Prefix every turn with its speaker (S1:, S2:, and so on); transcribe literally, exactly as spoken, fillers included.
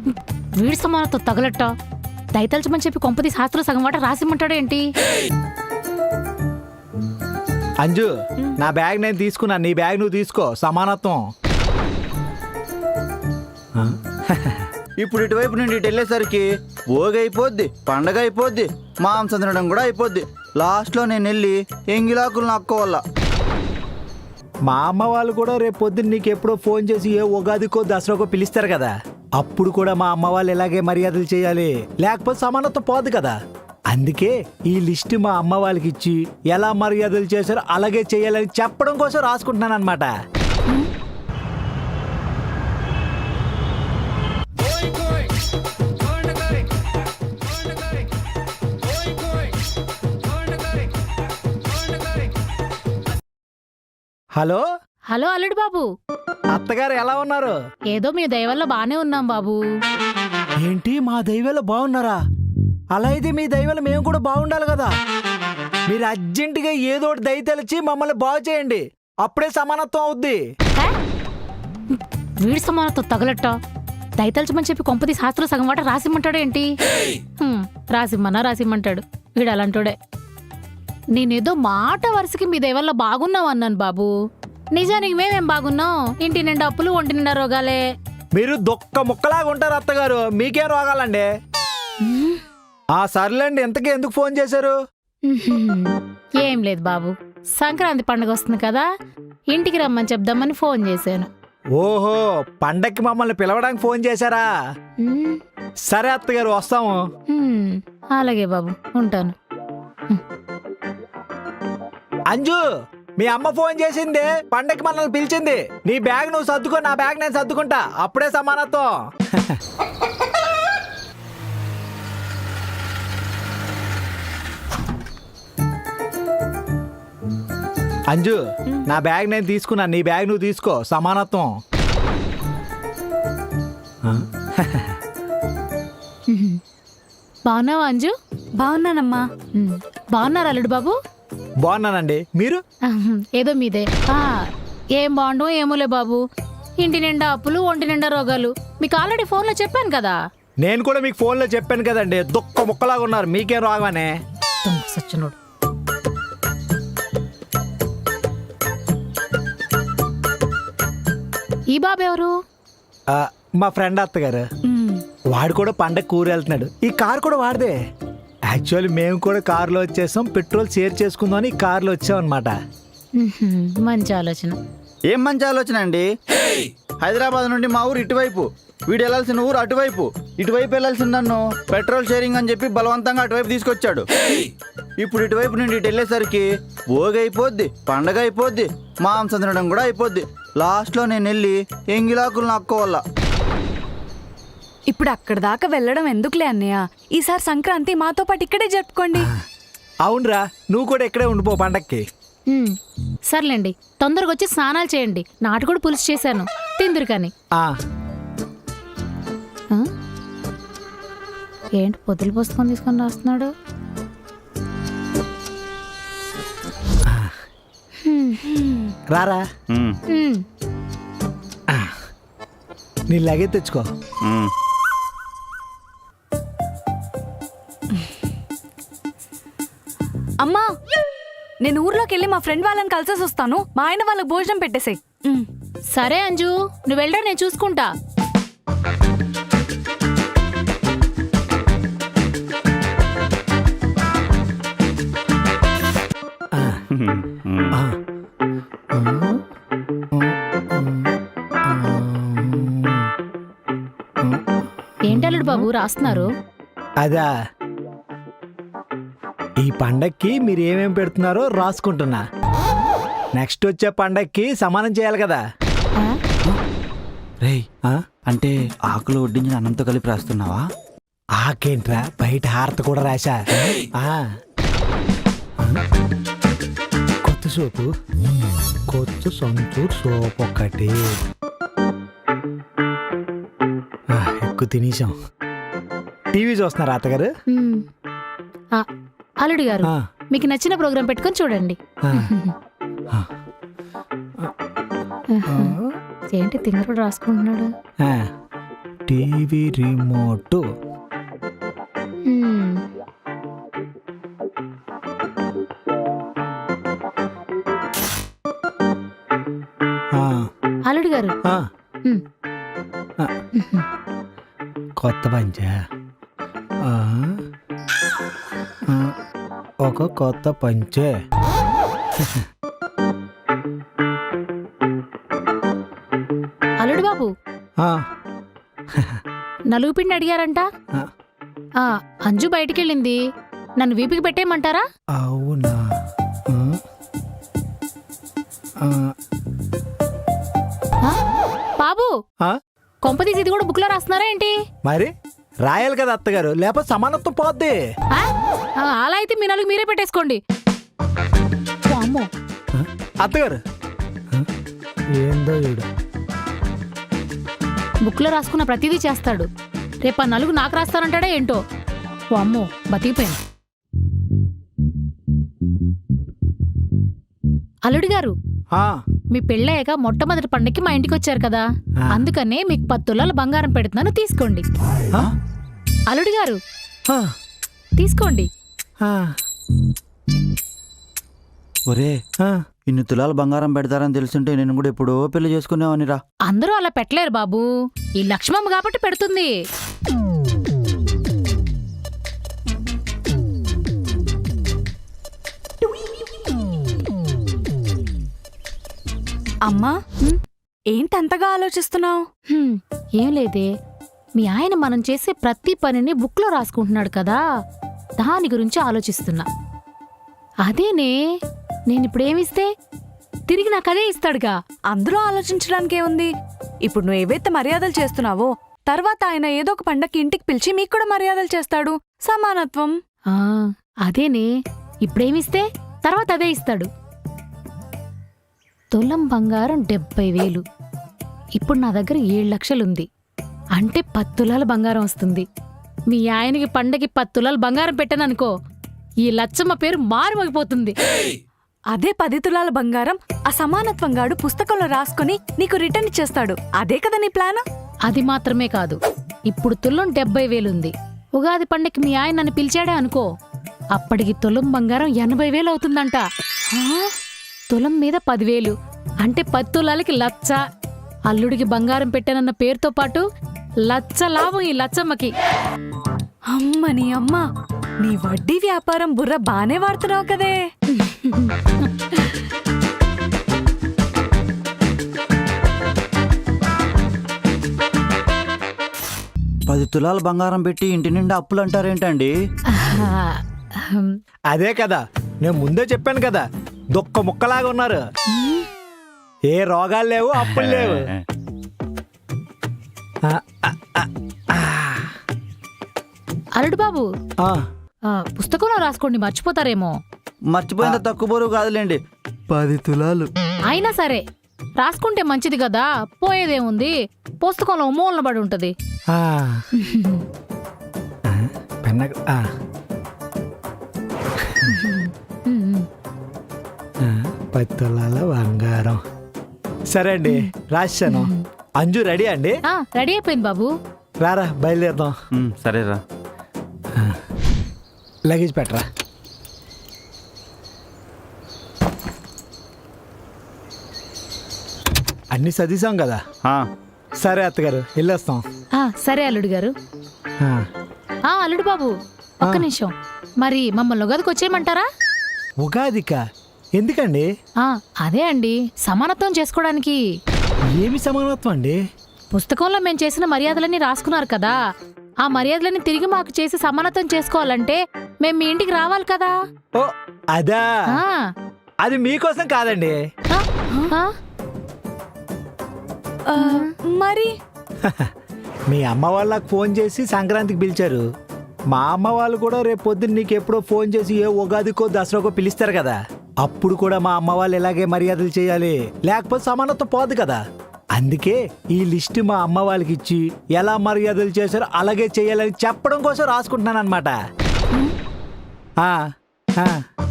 S1: వీడి సమానతో తగలట్ట దయతలచమని చెప్పి కొంపది శాస్త్రం సగం వాట రాసిమ్మంటాడు ఏంటి?
S2: అంజు, నా బ్యాగ్ నేను తీసుకున్నా, నీ బ్యాగ్ నువ్వు తీసుకో. సమానత్వం.
S3: ఇప్పుడు ఇటువైపు నుండి ఇటు వెళ్ళేసరికి భోగి అయిపోద్ది, పండగ అయిపోద్ది, మాంసం తినడం కూడా అయిపోద్ది. లాస్ట్లో నేను వెళ్ళి ఎంగిలాకులు నక్కోవాల.
S2: మా అమ్మ వాళ్ళు కూడా రేపు పొద్దున్న నీకు ఎప్పుడో ఫోన్ చేసి ఏ ఉగాదికో దసరాకో పిలుస్తారు కదా, అప్పుడు కూడా మా అమ్మ వాళ్ళు ఇలాగే మర్యాదలు చేయాలి, లేకపోతే సమానత్వం పోదు కదా. అందుకే ఈ లిస్ట్ మా అమ్మ వాళ్ళకి ఇచ్చి ఎలా మర్యాదలు చేశారో అలాగే చేయాలని చెప్పడం కోసం రాసుకుంటున్నాను అనమాట. హలో
S1: హలో అల్లుడు బాబు,
S2: అత్తగారు ఎలా ఉన్నారు?
S1: ఏదో మీ దయ వల్ల బానే ఉన్నాం బాబు.
S2: ఏంటి మా దైవాలు బాగున్నారా? అలా అయితే మీ దైవాలు మేము కూడా బాగుండాలి కదా. మీరు అర్జెంటుగా ఏదో ఒకటి దయ తెలిచి మమ్మల్ని బాగు చేయండి, అప్పుడే సమానత్వం అవుద్ది.
S1: వీడి సమానత్వం తగలట్ట దయతలచమని చెప్పి కొంపది శాస్త్రం సగం వాట రాసిమ్మంటాడు ఏంటి? రాసిమ్మన్నా రాసిమ్మంటాడు వీడు అలాంటోడే. నేనేదో మాట వరుసకి మీ దయవల్ల బాగున్నావు అన్నాను బాబు, నిజానికి మేమేం బాగున్నాం? ఇంటి నిండా అప్పులు, ఒంటి నిండా రోగాలే.
S2: మీరు దొక్క ముక్కలాగా ఉంటారు అత్తగారు, మీకేం రోగాలండి? ఆ సర్లేండి, ఇంతకీ ఎందుకు ఫోన్ చేశారు?
S1: ఏం లేదు బాబు, సంక్రాంతి పండుగ వస్తుంది కదా, ఇంటికి రమ్మని చెప్దామని ఫోన్ చేశాను.
S2: ఓహో, పండక్కి మమ్మల్ని పిలవడానికి ఫోన్ చేశారా? సరే అత్తగారు, వస్తాము.
S1: అలాగే బాబు, ఉంటాను.
S2: అంజు, మీ అమ్మ ఫోన్ చేసింది, పండక్కి మనల్ని పిలిచింది. నీ బ్యాగ్ నువ్వు సర్దుకో, నా బ్యాగ్ నేను సర్దుకుంటా, అప్పుడే సమానత్వం. అంజు, నా బ్యాగ్ నేను తీసుకున్నా, నీ బ్యాగ్ నువ్వు తీసుకో. సమానత్వం.
S1: బాగున్నావా అంజు?
S4: బాగున్నానమ్మా.
S1: బాగున్నారు అల్లుడు బాబు?
S2: బాగున్నానండి, మీరు?
S1: ఏదో మీదే. ఏం బాగుండవు ఏమోలే బాబు, ఇంటి నిండా అప్పులు, ఒంటి నిండా రోగాలు. మీకు ఆల్రెడీ ఫోన్లో చెప్పాను కదా.
S2: నేను కూడా మీకు ఫోన్లో చెప్పాను కదండి, దుక్క ముక్కలాగా ఉన్నారు, మీకేం రాగానే.
S1: సచ్చినోడు. ఈ బాబు ఎవరు?
S2: మా ఫ్రెండ్ అత్తగారు. వాడు కూడా పండగ కూర వెళ్తున్నాడు. ఈ కార్ కూడా వాడిదే. యాక్చువల్లీ మేము కూడా కారులో వచ్చేసాం, పెట్రోల్ షేర్ చేసుకుందాం అని కారులో వచ్చాం అనమాట.
S1: మంచి ఆలోచన.
S3: ఏం మంచి ఆలోచన అండి? హైదరాబాద్ నుండి మా ఊరు ఇటువైపు, వీడు వెళ్ళాల్సిన ఊరు అటువైపు, ఇటువైపు వెళ్ళాల్సిన నన్ను పెట్రోల్ షేరింగ్ అని చెప్పి బలవంతంగా అటువైపు తీసుకొచ్చాడు. ఇప్పుడు ఇటువైపు నుండి ఇటు వెళ్ళేసరికి భోగి అయిపోద్ది, పండగ అయిపోద్ది, మాంసం తినడం కూడా అయిపోద్ది. లాస్ట్లో నేను వెళ్ళి ఎంగిలాకులు నక్కోవాల.
S4: ఇప్పుడు అక్కడ దాకా వెళ్ళడం ఎందుకులే అన్నయ్య, ఈసారి సంక్రాంతి మాతో పాటు ఇక్కడే జరుపుకోండి.
S2: అవునరా, నువ్వు కూడా ఇక్కడే ఉండిపో పండక్కి.
S1: సర్లేండి, తొందరగా వచ్చి స్నానాలు చేయండి. నాటుకోడి పులుసు చేశాను, తిందురు కానీ. ఏంటి పొద్దులు పుస్తకం తీసుకొని రాస్తున్నాడు?
S2: రారా, నీ లగేజ్ తెచ్చుకో.
S4: అమ్మా, నేను ఊర్లోకి వెళ్ళి మా ఫ్రెండ్ వాళ్ళని కలిసేసి వస్తాను, మా ఆయన వాళ్ళకి భోజనం పెట్టేసాయి.
S1: సరే అంజు, నువ్వు వెళ్ళరా, నేను చూసుకుంటా. ఏంటల్లుడు బాబు రాస్తున్నారు?
S2: అదా, ఈ పండక్కి మీరు ఏమేం పెడుతున్నారో రాసుకుంటున్నా. నెక్స్ట్ వచ్చే పండక్కి సమానం చేయాలి కదా.
S3: రేయ్, అంటే ఆకులు వడ్డించిన అన్నంతో కలిపి రాస్తున్నావా?
S2: ఆకేంట్రా, బయట హారత కూడా రాశా. కొత్త సోపు, కొత్త సంతూర్ సోప్ ఒకటి ఎక్కువ తినేసాం. టీవీ చూస్తున్నారా అత్తగారు?
S1: అల్లుడు గారు, మీకు నచ్చిన ప్రోగ్రాం పెట్టుకొని చూడండి.
S2: ఆ.
S1: ఏంటి తింగరుడు రాసుకుంటున్నాడు?
S2: TV remote.
S1: హ్మ్.
S2: ఆ,
S1: అల్లుడు గారు
S2: ఆ,
S1: హ్మ్.
S2: ఆ. కొత్త పంచా. ఆ, ఆ, ఒక కొత్త పంచే.
S1: అల్లుడు బాబు
S2: ఆ,
S1: నలుగు పిండి అడిగారంట.
S2: ఆ.
S1: ఆ, అంజు బయటికెళ్ళింది. నన్ను వీపికి పెట్టేయమంటారా?
S2: అవునా? ఆ, ఆ,
S1: ఆ? బాబు
S2: ఆ?
S1: కొంపదీసి ఇది కూడా బుక్లో రాస్తున్నారా ఏంటి?
S2: మరి రాయాలి కదా అత్తగారు, లేకపోతే సమానత్వం పోద్ది.
S1: ఆ? ఆ, అలా అయితే మీ నలుగు మీరే పెట్టేసుకోండి. అమ్మో,
S2: ఆ, అత్తగారు. ఆ, ఏందో ఈడు.
S1: బుక్లో రాసుకున్న ప్రతిదీ చేస్తాడు. రేపు ఆ నలుగు నాకు రాస్తానంటాడా ఏంటో. ఓ అమ్మో, బతికిపోయాను. అల్లుడు గారు,
S2: ఆ,
S1: మీ పెళ్ళయ్యాక మొట్టమొదటి పండక్కి మా ఇంటికి వచ్చారు కదా,
S2: ఆ.
S1: అందుకనే మీకు పది తులాల బంగారం పెడుతున్నాను, తీసుకోండి.
S2: ఆ,
S1: అల్లుడు గారు
S2: ఆ,
S1: తీసుకోండి.
S2: ఆ,
S3: ఒరే
S2: ఆ.
S3: ఇన్ని తులాలు బంగారం పెడతారని తెలుసుంటే నేను కూడా ఎప్పుడో పెళ్లి చేసుకునేవానిరా.
S1: అందరూ అలా పెట్టలేరు బాబు, ఈ లక్ష్మమ్మ కాబట్టి పెడుతుంది.
S4: అమ్మా
S1: హ్మ్?
S4: ఏంటంతగా ఆలోచిస్తున్నావు?
S1: హ్మ్, ఏం లేదే, మీ ఆయన మనం చేసే ప్రతి పనిని బుక్లో రాసుకుంటున్నాడు కదా, దాని గురించి ఆలోచిస్తున్నా. అదేనే, నేనిప్పుడేమిస్తే తిరిగి నాకు అదే ఇస్తాడుగా.
S4: అందులో ఆలోచించడానికే ఉంది. ఇప్పుడు నువ్వు ఏవైతే మర్యాదలు చేస్తున్నావో తర్వాత ఆయన ఏదో ఒక పండక్కి ఇంటికి పిలిచి మీకు కూడా మర్యాదలు చేస్తాడు. సమానత్వం.
S1: ఆ, అదేనే, ఇప్పుడేమిస్తే తర్వాత అదే ఇస్తాడు. తులం బంగారం డెబ్బై వేలు, ఇప్పుడు నా దగ్గర ఏడు లక్షలుంది. అంటే పది తులాల బంగారం వస్తుంది. మీ ఆయనకి పండగకి పది తులాలు బంగారం పెట్టాననుకో, ఈ లచ్చమ్మ పేరు మారుమోగిపోతుంది.
S4: అదే పది తులాల బంగారం ఆ సమానత్వం గాడు పుస్తకంలో రాసుకుని నీకు రిటర్న్ ఇచ్చేస్తాడు. అదే కదా నీ ప్లాన్?
S1: అది మాత్రమే కాదు, ఇప్పుడు తులం డెబ్బై వేలుంది. ఉగాది పండగకి మీ ఆయన నన్ను పిలిచాడే అనుకో, అప్పటికి తులం బంగారం ఎనభై వేలు అవుతుందంట. ఆ? తులం మీద పదివేలు అంటే పది తులాలకి లచ్చ. అల్లుడికి బంగారం పెట్టానన్న పేరుతో పాటు లచ్చ లాభం ఈ లచ్చమ్మకి.
S4: అమ్మ నీ అమ్మ, నీ వడ్డీ వ్యాపారం బుర్ర బానే వాడుతున్నావు కదే.
S3: పది తులాలు బంగారం పెట్టి ఇంటి నిండా అప్పులు అంటారేంటండి?
S1: ఆహా, హమ్,
S2: అదే కదా, నేను ముందే చెప్పాను కదా, దొక్క ముక్కలాగా ఉన్నారు. ఏ రోగాలు లేవు, అప్పులు లేవు. ఆ, ఆ, ఆ, ఆ.
S1: అల్లుడు బాబు,
S2: ఆ,
S1: ఆ, పుస్తకంలో రాసుకోండి, మర్చిపోతారేమో.
S3: మర్చిపోయినంత తక్కువ బరువు కాదులేండి, పది తులాలు.
S1: అయినా సరే రాసుకుంటే మంచిది కదా, పోయేదేముంది, పుస్తకంలో మూలన పడి ఉంటది.
S2: ఆ. ఆ, పెన్న ఆ.
S1: ఉమ్,
S2: ఆ, పది తులాల బంగారం. సరే అండి, రాశాను. అంజు రెడీ అండి?
S1: ఆ, రెడీ అయిపోయింది బాబు.
S2: రారా బయలుదేరదాం.
S3: ఉమ్, సరేరా.
S2: లగేజ్ పెట్టరా. అన్ని చదివాం కదా.
S3: ఆ,
S2: సరే అత్తగారు, వెళ్ళొస్తాం.
S1: ఆ, సరే అల్లుడు గారు.
S2: ఆ,
S1: ఆ, అల్లుడు బాబు ఒక్క
S2: ఆ.
S1: నిమిషం, మరి మమ్మల్ని ఉగాదికి వచ్చేయమంటారా?
S2: ఉగాదిక ఎందుకండి?
S1: ఆ, అదే అండి, సమానత్వం చేసుకోవడానికి.
S2: ఏమి సమానత్వం అండి?
S1: పుస్తకంలో మేము చేసిన మర్యాదలన్నీ రాసుకున్నారు కదా, ఆ మర్యాదలన్నీ తిరిగి మాకు చేసి సమానత్వం చేసుకోవాలంటే మేము మీ ఇంటికి రావాలి కదా.
S2: ఓ అదా,
S1: ఆ,
S2: అది మీకోసం కాదండి.
S1: ఆ, ఆ,
S4: ఆ, మరి
S2: మీ అమ్మ వాళ్ళకి ఫోన్ చేసి సంక్రాంతికి పిలిచారు. మా అమ్మ వాళ్ళు కూడా రేపు పొద్దున్న నీకు ఎప్పుడో ఫోన్ చేసి ఏ ఉగాదికో దసరాకో పిలుస్తారు కదా, అప్పుడు కూడా మా అమ్మ వాళ్ళు ఇలాగే మర్యాదలు చేయాలి, లేకపోతే సమానత్వం పోదు కదా. అందుకే ఈ లిస్ట్ మా అమ్మ వాళ్ళకి ఇచ్చి ఎలా మర్యాదలు చేశారో అలాగే చేయాలని చెప్పడం కోసం రాసుకుంటున్నాను అనమాట.